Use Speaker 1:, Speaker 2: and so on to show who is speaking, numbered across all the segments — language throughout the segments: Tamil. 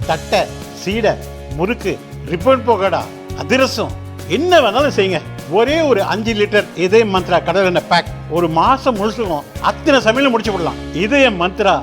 Speaker 1: தட்டை, சீடை, முறுக்கு, ரிப்பன் பக்கோடா, அதிரசம், என்ன வேணாலும் செய்யுங்க. ஒரே ஒரு 5 லிட்டர் இதய மந்த்ரா கடல் எண்ணெய் பேக் ஒரு மாசம் முழுசுக்கும் அத்தனை சமையல முடிச்சு விடலாம். இதய மந்த்ரா.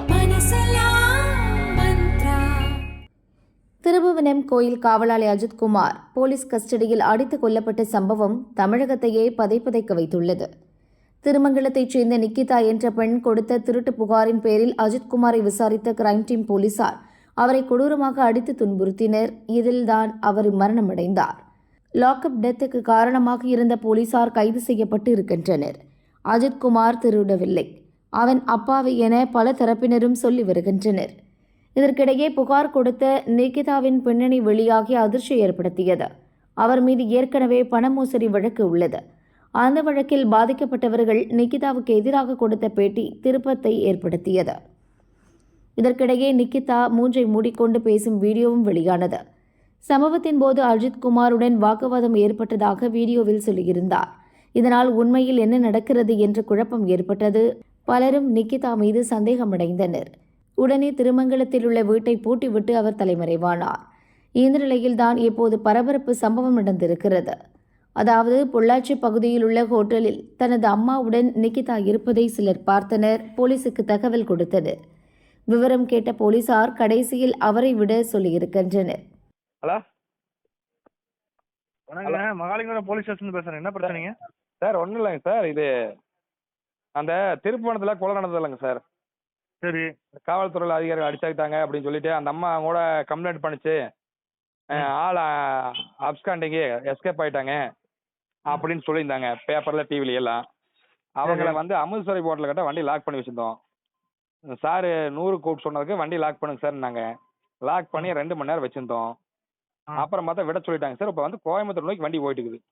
Speaker 2: திருபுவனம் கோயில் காவலாளி அஜித்குமார் போலீஸ் கஸ்டடியில் அடித்துக் கொல்லப்பட்ட சம்பவம் தமிழகத்தையே பதைப்பதைக்க வைத்துள்ளது. திருமங்கலத்தைச் சேர்ந்த நிக்கிதா என்ற பெண் கொடுத்த திருட்டு புகாரின் பேரில் அஜித்குமாரை விசாரித்த கிரைம் டீம் போலீசார் அவரை கொடூரமாக அடித்து துன்புறுத்தினர். இதில்தான் அவர் மரணமடைந்தார். லாக்அப் டெத்துக்கு காரணமாக இருந்த போலீசார் கைது செய்யப்பட்டு இருக்கின்றனர். அஜித்குமார் திருடவில்லை, அவன் அப்பாவி என பல தரப்பினரும் சொல்லி வருகின்றனர். இதற்கிடையே புகார் கொடுத்த நிகிதாவின் பின்னணி வெளியாகி அதிர்ச்சி ஏற்படுத்தியது. அவர் மீது ஏற்கனவே பண மோசடி வழக்கு உள்ளது. அந்த வழக்கில் பாதிக்கப்பட்டவர்கள் நிகிதாவுக்கு எதிராக கொடுத்த பேட்டி திருப்பத்தை ஏற்படுத்தியது. இதற்கிடையே நிகிதா மூஞ்சை மூடிக்கொண்டு பேசும் வீடியோவும் வெளியானது. சம்பவத்தின் போது அஜித்குமாருடன் வாக்குவாதம் ஏற்பட்டதாக வீடியோவில் சொல்லியிருந்தார். இதனால் உண்மையில் என்ன நடக்கிறது என்ற குழப்பம் ஏற்பட்டது. பலரும் நிகிதா மீது சந்தேகமடைந்தனர். உடனே திருமங்கலத்தில் உள்ள வீட்டை பூட்டிவிட்டு அவர் தலைமறைவானார். இந்த நிலையில்தான் இப்போது பரபரப்பு சம்பவம் நடந்திருக்கிறது. அதாவது பொள்ளாச்சி பகுதியில் உள்ள ஹோட்டலில் தனது அம்மாவுடன் நிகிதா இருப்பதை சிலர் பார்த்தனர். போலீசுக்கு தகவல் கொடுத்தனர். விவரம் கேட்ட போலீசார் கடைசியில் அவரை விட சொல்லியிருக்கின்றனர்.
Speaker 3: ஹலோ, வணக்கங்க. மகாலிங்கபுரம் போலீஸ் ஸ்டேஷன் பேசுறேன். என்ன பிரச்சனைங்க சார்? ஒன்றும் இல்லைங்க சார், இது அந்த திருப்பணத்தில் கொலை நடந்தது இல்லைங்க சார். சரி, காவல்துறையில் அதிகாரிகள் அடிச்சாக்கிட்டாங்க அப்படின்னு சொல்லிட்டு அந்த அம்மா கூட கம்ப்ளைண்ட் பண்ணிச்சு. ஆள் அப்ஸ்காண்டிங்கு எஸ்கேப் ஆயிட்டாங்க அப்படின்னு சொல்லியிருந்தாங்க பேப்பர்ல டிவில எல்லாம். அவங்கள வந்து அமிர்தசரி போர்ட்டில் கிட்ட வண்டி லாக் பண்ணி வச்சிருந்தோம். சார் 100 கூப்பிட்டு சொன்னதுக்கு வண்டி லாக் பண்ணுங்க சார். நாங்கள் லாக் பண்ணி 2 மணி நேரம் வச்சிருந்தோம். அப்புறம் பார்த்தா விட சொல்லிட்டாங்க சார். இப்போ வந்து கோயம்புத்தூர் நோக்கி வண்டி போயிட்டு இருக்குது.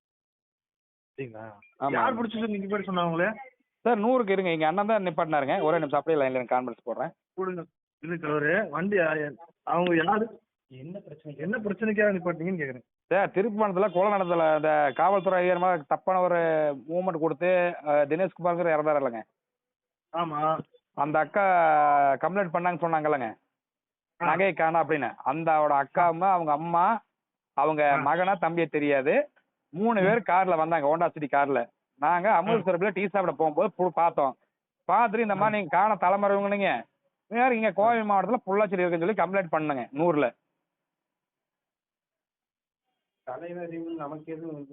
Speaker 4: யார் பிடிச்சி நீங்க பேர் சொன்னாங்களே
Speaker 3: சார்? 100க்கு இருங்க, எங்க அண்ணன் தான் நிப்பாட்டினாருங்க. ஒரே நிமிஷம் அப்படியே லைன்ல கான்ஃபரன்ஸ் போடுறேன்.
Speaker 4: ஒரு வண்டி அவங்க யாரு என்ன பிரச்சனைக்காக நிப்பாட்டீங்கன்னு கேக்குறேன்
Speaker 3: சார். திருப்பணத்துல கொலை நடந்தல இந்த காவல்துறை அதிகாரி தப்பான ஒரு மூவ்மெண்ட் கொடுத்து தினேஷ்குமார் இறந்தாரு இல்லைங்க.
Speaker 4: ஆமா,
Speaker 3: அந்த அக்கா கம்ப்ளைண்ட் பண்ணாங்க சொன்னாங்கல்லங்க, நகை காணா அப்படின்னு. அந்த அக்காவும் அவங்க அம்மா அவங்க மகனா தம்பியை தெரியாது 3 பேர் கார்ல வந்தாங்க, ஹோண்டா சிட்டி கார்ல. நாங்க அமிர்தசரத்துல டீ சாப்பிட போகும்போது பார்த்தோம். பார்த்துட்டு இந்த மாதிரி நீங்க காண தலைமறைவங்க வேற இங்க கோவை மாவட்டத்துல பொள்ளாச்சி இருக்குன்னு சொல்லி கம்ப்ளைண்ட் பண்ணுங்க 100ல.
Speaker 4: நமக்கு எதுவும்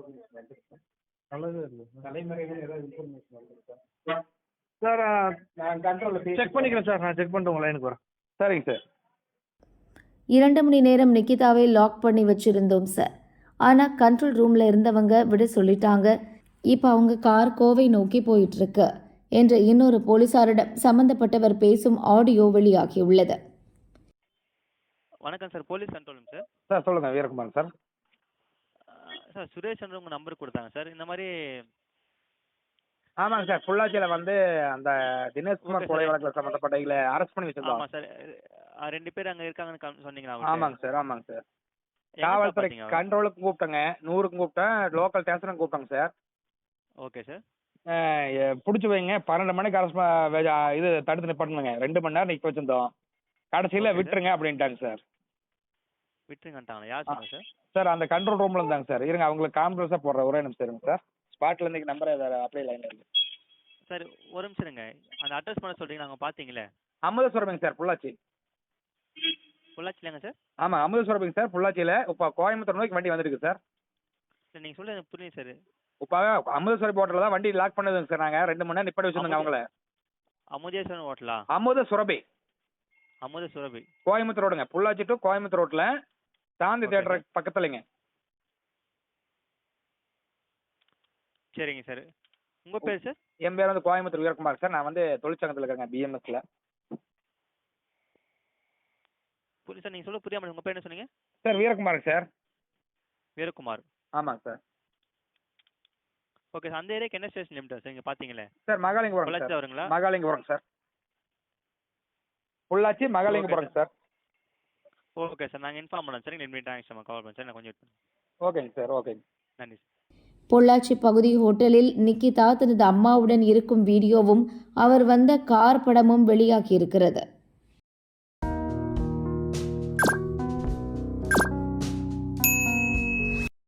Speaker 4: சார் நான் கண்ட்ரோல்ல செக் பண்ணிக்கிறேன் சார். நான் செக் பண்ணிட்டு உங்க லைனுக்கு வரேன்.
Speaker 3: சரிங்க சார்.
Speaker 2: 2 மணி நேரம் நிகிதாவை லாக் பண்ணி வச்சிருந்தோம் சார். ஆனால் கண்ட்ரோல் ரூமில் இருந்தவங்க விட சொல்லிட்டாங்க. இப்போ அவங்க கார் கோவை நோக்கி போயிட்டு இருக்கு என்ற இன்னொரு போலீசாரிடம் சம்பந்தப்பட்டவர் பேசும் ஆடியோ வெளியாகியுள்ளது.
Speaker 5: வணக்கம் sir, police control sir.
Speaker 3: Sir சொல்லுங்க, வீரகுமார் சார்.
Speaker 5: சார் சுரேஷ் உங்க நம்பர் கொடுத்தாங்க சார். இந்த மாதிரி
Speaker 3: ஆமாங்க சார், பொள்ளாச்சியில வந்து அந்த தினேஷ்குமார் கொலை வழக்கில் சம்பந்தப்பட்டவங்கள அரெஸ்ட் பண்ணி வச்சிருக்கோம்.
Speaker 5: ஆமா சார், 2 பேர் அங்க இருக்காங்கன்னு சொன்னீங்களா?
Speaker 3: ஆமாங்க சார், ஆமாங்க சார். காவல்துறை கண்ட்ரோலுக்கு கூப்பிட்டேங்க, 100க்கு கூப்பிட்டேன், லோக்கல் ஸ்டேஷனுக்கு கூப்பிட்டேங்க சார்.
Speaker 5: Okay sir.
Speaker 3: பிடிச்சி வைங்க, 12 மணிக்கு இது தடுத்து நிப்பாட்டுங்க. 2 மணி நேரம் நிக்க வச்சிருந்தோம். கடைசியில விட்டுருங்க அப்படின்ட்டாங்க சார்.
Speaker 5: விட்டுருங்கட்டாங்களா? யார் சொன்னா சார்?
Speaker 3: சார் அந்த கண்ட்ரோல் ரூம்ல இருந்தாங்க சார். இருங்க அவங்களுக்கு கான்ஃபரன்ஸா போடுறேன், ஒரே நிமிஷம் இருங்க சார். ஸ்பாட்ல இருந்து நம்பர் அப்படியே லைன்ல இருக்கு
Speaker 5: சார். ஒரு நிமிஷம் இருங்க, அந்த அட்ரஸ் பண்ண சொல்றீங்க. நாங்க பாத்தீங்களே
Speaker 3: அமிர்தசரபிங்க சார், பொள்ளாச்சி.
Speaker 5: பொள்ளாச்சிலங்க சார்?
Speaker 3: ஆமா, அமிர்தசரபிங்க சார், பொள்ளாச்சியில. இப்போ கோயம்புத்தூர் நோக்கி வண்டி வந்துருக்கு சார்.
Speaker 5: சார் நீங்க சொல்ல எனக்கு புரியுது சார்.
Speaker 3: இப்போ அமிர்தசரபி ஹோட்டல்ல தான் வண்டி லாக் பண்ணதுங்க சார். நாங்க 2 மணி நேரம் நிப்பாட்டி வச்சிருந்தோங்க அவங்கள.
Speaker 5: அமுதேஸ்வரன் ஹோட்டலா?
Speaker 3: அமுதசுரபி,
Speaker 5: அமுதசுரபி,
Speaker 3: கோயம்புத்தூர் ரோடுங்க. பொள்ளாச்சி டு கோயம்புத்தூர் ரோட்ல சாந்தி தியேட்டர் பக்கத்துலங்க.
Speaker 5: சரிங்க சார். உங்க பேர் சார்?
Speaker 3: என் பேர் வந்து கோயம்புத்தூர் வீரகுமார் சார். நான் வந்து தொழிற்சங்கத்தில் இருக்கேங்க, பிஎம்எஸ்ல.
Speaker 5: சார் நீங்க சொல்ல புரியாம உங்க பேர் என்ன சொன்னீங்க
Speaker 3: சார்? வீரகுமார் சார்.
Speaker 5: வீரகுமார்.
Speaker 3: ஆமாங்க சார்.
Speaker 5: Okay sir. அந்த ஏரியாக்கு என்ன ஸ்டேஷன் லிமிட் சார்? இங்க பாத்தீங்களே
Speaker 3: சார், மகாலிங்கபுரம்.
Speaker 5: பொள்ளாச்சி வருங்களா?
Speaker 3: Mahalingapuram sir, Pollachi Mahalingapuram sir.
Speaker 5: Okay sir, நாங்கள் இன்ஃபார்ம் பண்ணோம் சார். நீங்கள் தேங்க்ஸ் கால் பண்ணுறேன் சார். நான் கொஞ்சம் வெயிட் பண்ணுறேன்.
Speaker 3: ஓகேங்க சார், ஓகேங்க.
Speaker 5: நன்றி சார்.
Speaker 2: பொள்ளாச்சி பகுதி ஹோட்டலில் நிக்கிதா தனது அம்மாவுடன் இருக்கும் வீடியோவும் அவர் வந்த கார் படமும் வெளியாகியிருக்கிறது.